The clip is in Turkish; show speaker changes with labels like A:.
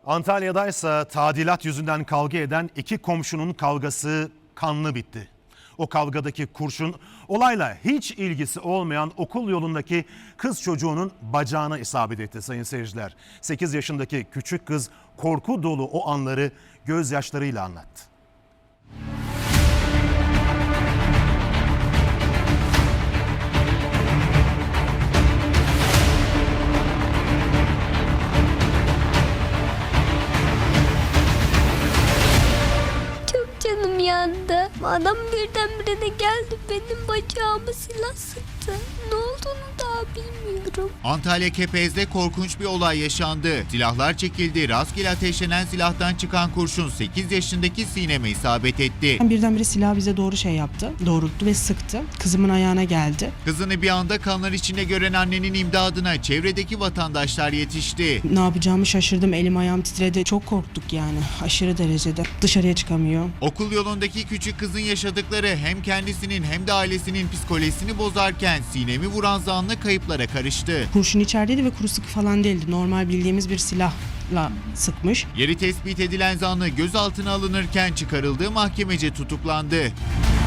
A: Antalya'daysa tadilat yüzünden kavga eden iki komşunun kavgası kanlı bitti. O kavgadaki kurşun olayla hiç ilgisi olmayan okul yolundaki kız çocuğunun bacağına isabet etti sayın seyirciler. 8 yaşındaki küçük kız korku dolu o anları gözyaşlarıyla anlattı.
B: Canım yandı. Adam birdenbire de geldi, benim bacağımı silah sıktı. Ne olduğunu daha bilmiyorum.
C: Antalya Kepez'de korkunç bir olay yaşandı. Silahlar çekildi. Rastgele ateşlenen silahtan çıkan kurşun 8 yaşındaki Sinem'e isabet etti.
D: Birdenbire silah bize doğru yaptı. Doğrulttu ve sıktı. Kızımın ayağına geldi.
C: Kızını bir anda kanlar içinde gören annenin imdadına çevredeki vatandaşlar yetişti.
D: Ne yapacağımı şaşırdım. Elim ayağım titredi. Çok korktuk yani. Aşırı derecede. Dışarıya çıkamıyor.
C: Okul yolundaki küçük kızın yaşadıkları hem kendisinin hem de ailesinin psikolojisini bozarken Sinem'i vuran zanlı kayıplara karıştı.
D: Kurşun içerideydi ve kuru sıkı falan değildi. Normal bildiğimiz bir silahla sıkmış.
C: Yeri tespit edilen zanlı gözaltına alınırken çıkarıldığı mahkemece tutuklandı.